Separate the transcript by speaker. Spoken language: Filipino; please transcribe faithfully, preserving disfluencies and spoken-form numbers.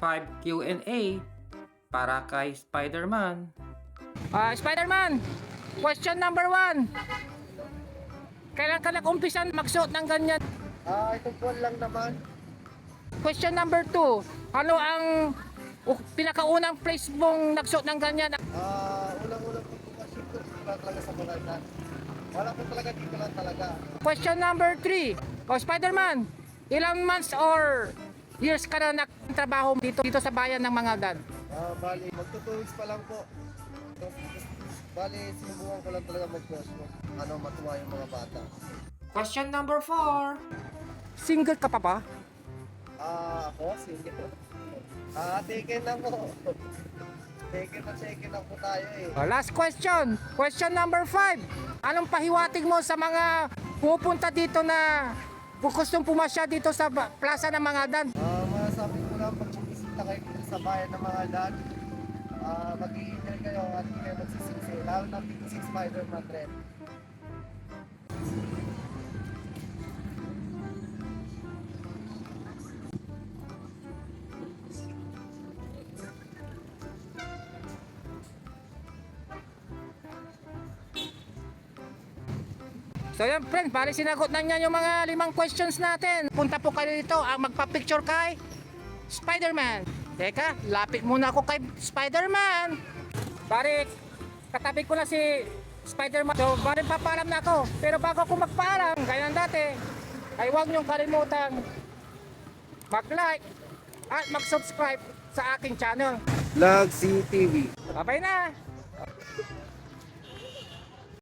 Speaker 1: five Q and A para kay Spider-Man.
Speaker 2: Ah, Spider-Man, question number one. Kailan ka nag-umpisan magsuot ng ganyan?
Speaker 3: Ah, itong buwan lang naman.
Speaker 2: Question number two. Ano ang uh, pinakaunang place mong nagsuot ng ganyan?
Speaker 3: Ah, unang-unang po po kasi ito wala talaga sa Bulacan. Wala po talaga dito lang talaga.
Speaker 2: Question number three. O Spider-Man, ilang months or years ka na nagtrabaho dito dito sa bayan ng Mangaldan?
Speaker 3: Ah, bali, magto-two weeks pa lang po. Bali, sinubukan ko lang talaga mag-post mo. Ano, matuwa yung mga bata.
Speaker 1: Question number four.
Speaker 2: Single ka pa ba?
Speaker 3: Ah, ako, single. Ah, taken na po. Taken na, taken na po tayo eh.
Speaker 2: O, last question. Question number five. Anong pahiwatig mo sa mga pupunta dito na gustong pumasya dito sa ba- plaza ng Mangaldan?
Speaker 3: Ah, masasabi ko lang pag bumisita kayo dito sa bayan ng mga dad, ah, mag-i-enjoy kayo at hindi kayo magsisisi. Lalo na dito si Spider-Man rin.
Speaker 2: So yan friends, bali sinagot na niya yung mga limang questions natin. Punta po kayo dito ang magpa-picture kay Spider-Man. Teka, lapit muna ako kay Spider-Man. Bali, katabi ko na si Spider-Man. So bali papaalam na ako. Pero bago ako magpaalam, gaya ng dati, ay huwag niyong kalimutan mag-like at mag-subscribe sa aking channel.
Speaker 3: Lag C T V.
Speaker 2: Bye-bye na!